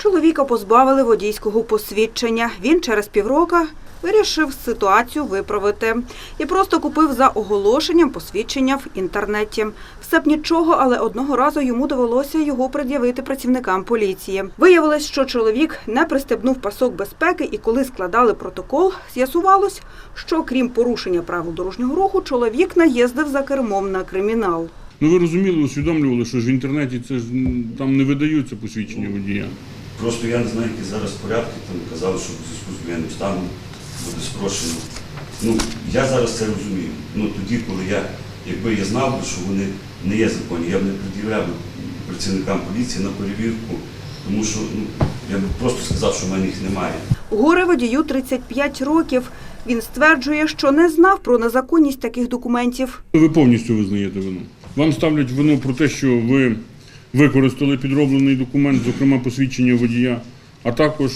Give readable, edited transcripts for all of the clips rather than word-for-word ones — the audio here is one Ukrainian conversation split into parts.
Чоловіка позбавили водійського посвідчення. Він через півроку вирішив ситуацію виправити і просто купив за оголошенням посвідчення в інтернеті. Все б нічого, але одного разу йому довелося його пред'явити працівникам поліції. Виявилось, що чоловік не пристебнув пасок безпеки, і коли складали протокол, з'ясувалось, що крім порушення правил дорожнього руху, чоловік наїздив за кермом на кримінал. Ну ви розуміли, усвідомлювали, що ж в інтернеті це ж там не видаються посвідчення водія. Просто я не знаю, які зараз порядки, там казали, що в зв'язку з воєнним станом буде спрощено. Я зараз це розумію. Тоді, коли якби я знав, що вони не є законні, я б не пред'являв працівникам поліції на перевірку, тому що я б просто сказав, що в мене їх немає. Горе-водію 35 років. Він стверджує, що не знав про незаконність таких документів. Ви повністю визнаєте вину. Вам ставлять вину про те, що ви використали підроблений документ, зокрема посвідчення водія, а також,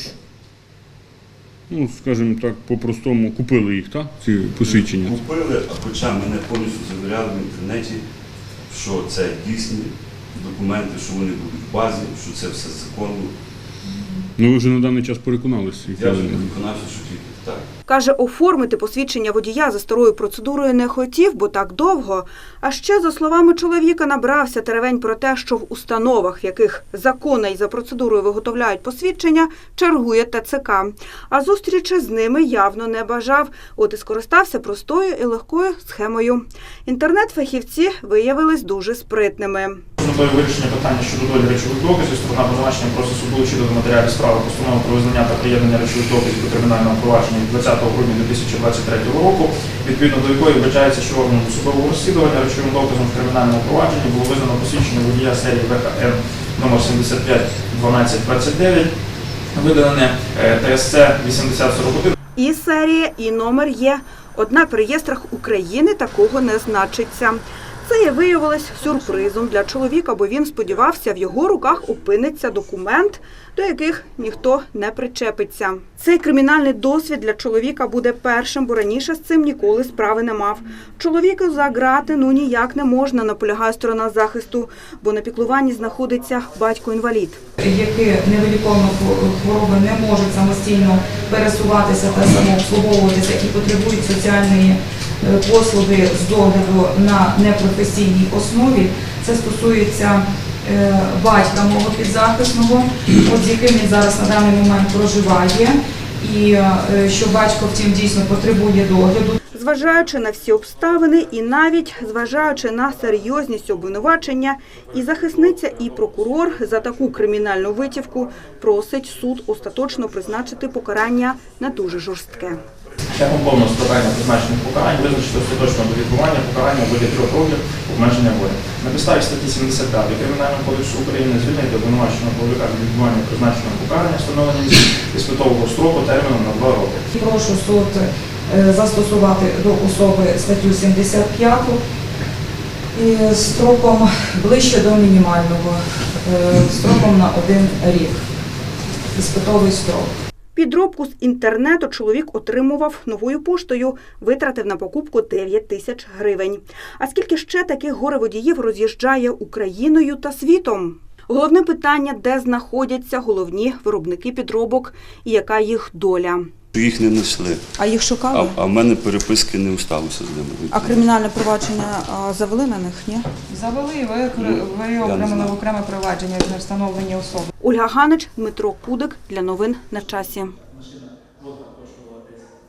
скажімо так, по-простому, купили їх, так, ці посвідчення? Купили, хоча мене повністю завіряли в інтернеті, що це дійсні документи, що вони будуть в базі, що це все законно. Ви вже на даний час переконалися? Я вже переконався, що тільки так. Каже, оформити посвідчення водія за старою процедурою не хотів, бо так довго. А ще, за словами чоловіка, набрався теревень про те, що в установах, в яких законно і за процедурою виготовляють посвідчення, чергує ТЦК. А зустрічі з ними явно не бажав. От і скористався простою і легкою схемою. Інтернет-фахівці виявились дуже спритними. Метою вирішення питання щодо долі речових доказів сторона обвинувачення просить суду щодо матеріалів справи постанови про визнання та приєднання речових доказів до кримінального провадження від 20 грудня 2023 року, відповідно до якої вбачається, що органом досудового розслідування речовим доказом в кримінальному провадженні було визнано посвідчення водія серії ВХН номер 75 1229, видане ТСЦ 8041. І серія, і номер є. Однак в реєстрах України такого не значиться. Це і виявилось сюрпризом для чоловіка, бо він сподівався, в його руках опиниться документ, до яких ніхто не причепиться. Цей кримінальний досвід для чоловіка буде першим, бо раніше з цим ніколи справи не мав. Чоловіку за ґрати ніяк не можна, наполягає сторона захисту, бо на піклуванні знаходиться батько-інвалід. Які невиліковно хвороби не можуть самостійно пересуватися та самообслуговуватися і потребують соціальної послуги з догляду на непрофесійній основі. Це стосується батька мого підзахисного, з яким він зараз на даний момент проживає, і що батько, втім, дійсно потребує догляду. Зважаючи на всі обставини і навіть зважаючи на серйозність обвинувачення, і захисниця, і прокурор за таку кримінальну витівку просить суд остаточно призначити покарання на дуже жорстке. Шляхом повного складання призначених покарань визначити остаточно до відбування покарання у виді 3 років обмеження волі. На підставі статті 75 Кримінального кодексу України звільнити обвинуваченого чоловіка від відбування призначеного покарання встановленням іспитового строку терміном на 2 роки. Прошу суд застосувати до особи статтю 75 строком ближче до мінімального, строком на 1 рік. Іспитовий строк. Підробку з інтернету чоловік отримував новою поштою, витратив на покупку 9 тисяч гривень. А скільки ще таких горе-водіїв роз'їжджає Україною та світом? Головне питання – де знаходяться головні виробники підробок і яка їх доля? Їх не знайшли. А їх шукали? А в мене переписки не усталося з ними. А кримінальне провадження завели на них, ні? Завели, ви окремили окреме провадження з невстановлені особи. Ольга Ганич, Дмитро Кудик. Для новин на часі.